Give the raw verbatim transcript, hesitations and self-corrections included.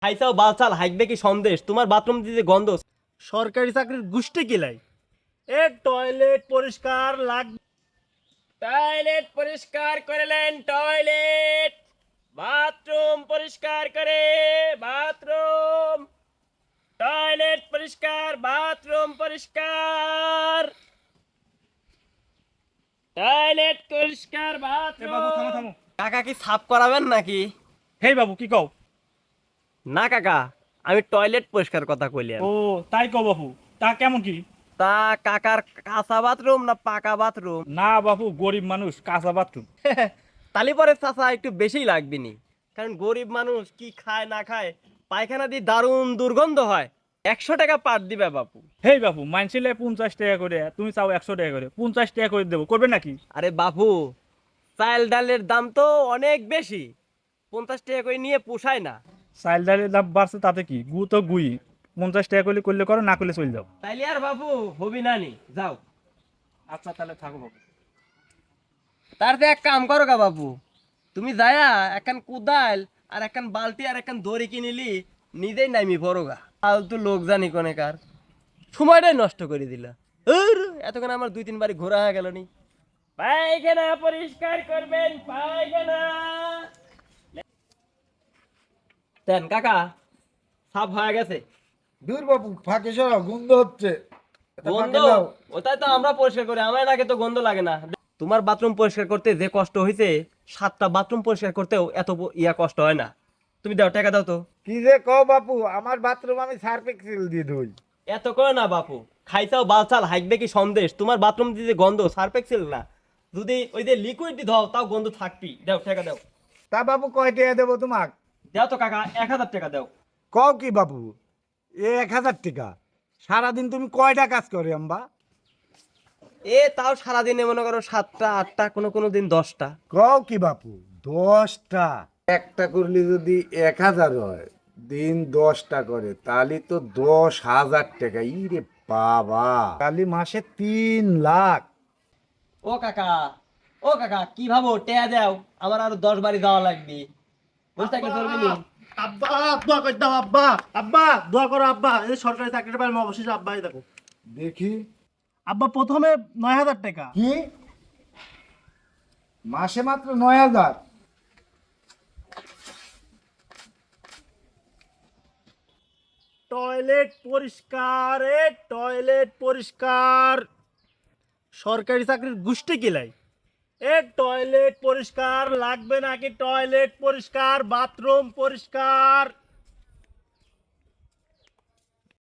খাইছাও বালছাল হাইকবে কি সন্দেশ তোমার বাথরুম দিতে গন্ধ। সরকারি চাকরির গুষ্টি কিলাই এ টয়লেট পরিষ্কার লাগবে। টয়লেট পরিষ্কার করলেন, টয়লেট বাথরুম পরিষ্কার করে, বাথরুম টয়লেট পরিষ্কার, বাথরুম পরিষ্কার, টয়লেট পরিষ্কার, এ বাবু থামো বাথরুম। থামো। কাকা কি সাফ করাবেন নাকি? হেই বাবু কি কও? না কাকা, আমি টয়লেট পরিষ্কার কথা কইলাম। ও তাই কও বাবু, তা কেমন কি? তা কাকার কাঁচা বাথরুম না পাকা বাথরুম? না বাবু, গরিব মানুষ, কাঁচা বাথরুম। তালি পরে চাচা একটু বেশিই লাগবে নি, কারণ গরিব মানুষ কি খায় না খায়, পায়খানা দিয়ে দারুণ দুর্গন্ধ হয়। একশো টাকা পার দিবে বাপু। হেই বাবু, মানছিলে পঞ্চাশ টাকা করে, তুমি চাও একশো টাকা করে, পঞ্চাশ টাকা করে দেবো, করবে নাকি? আরে বাপু, চাল ডালের দাম তো অনেক বেশি, পঞ্চাশ টাকা করে নিয়ে পোষায় না। চাল ডালের দাম বাড়ছে তাতে কি, গু তো গুই, পঞ্চাশ টাকা করলে করলে করো, না করলে চলে যাও। তাইলে আর বাপু হবি না নি, যাও। আচ্ছা তাহলে থাকো বাবু। তার তো এক কাম করো গা বাপু, তুমি যায়া একখান কুদাল আর একখান বালতি আর একখান দড়ি কিনিলি, নিজেই নামি পড়ো গা। ফালতু লোক জানি কোনেকার, সময়টাই নষ্ট করে দিলা। উর, এতক্ষণ আমার দুই তিন বাড়ি ঘোরা হয়ে গেল নি। পায়খানা পরিষ্কার করবেন, পায়খানা। দেন কাকা, সাফ হয়ে গেছে। দূর বাবু, ফাঁকে সরাও, গন্ধ হচ্ছে। এটা গন্ধ? ফাঁকে দাও। ওটাই তো আমরা পরিষ্কার করি, আমার নাকে তো গন্ধ লাগে না। তোমার বাথরুম পরিষ্কার করতে যে কষ্ট হয়েছে, সাতটা বাথরুম পরিষ্কার করতেও এত ব- ইয়া কষ্ট হয় না। তুমি দাও, টাকা দাও তো। কি যে কও বাপু, আমার বাথরুম আমি সার্ফ এক্সেল দিয়ে ধুই। এত করে না বাপু, খাইছাও বালছাল হাইকবে কি সন্দেশ তোমার বাথরুম দিয়ে গন্ধ সার্ফেক্সেল না, যদি ওই যে লিকুইড দি দাও তাও গন্ধ থাকবি। দাও টাকা দাও। তা বাবু কয় টাকা দেবো তোমাক? দাও তো কাকা, এক হাজার টাকা দাও। কও কি বাবু, এ এক হাজার টাকা? সারাদিন তুমি কয়টা কাজ করে আম্বা? এ তাও সারাদিনে মনে করো সাতটা আটটা, কোনো কোনো দিন দশটা। কও কি বাপু, দশটা? একটা করলে যদি এক হাজার হয়, দিন দশটা করে, তাহলে তো দশ হাজার টাকা। ইরে বাবা, তাহলে মাসে তিন লাখ। ও কাকা, ও কাকা কি ভাবো, টেয়া দাও, আমার আরো দশ বাড়ি যাওয়া লাগবে। বুঝতে কি চলবে নি? আব্বা দোয়া করে দাও, আব্বা আব্বা দোয়া করো আব্বা, এই সরকারি চাকরিটা পাইলে অবশ্যই আব্বাই দেখো। দেখি আব্বা প্রথমে নয় হাজার টাকা। কি, মাসে মাত্র নয় হাজার? টয়লেট পরিষ্কার, এ টয়লেট পরিষ্কার। সরকারি চাকরির গুষ্টি কিলাই এ টয়লেট পরিষ্কার লাগবে নাকি? টয়লেট পরিষ্কার, বাথরুম পরিষ্কার।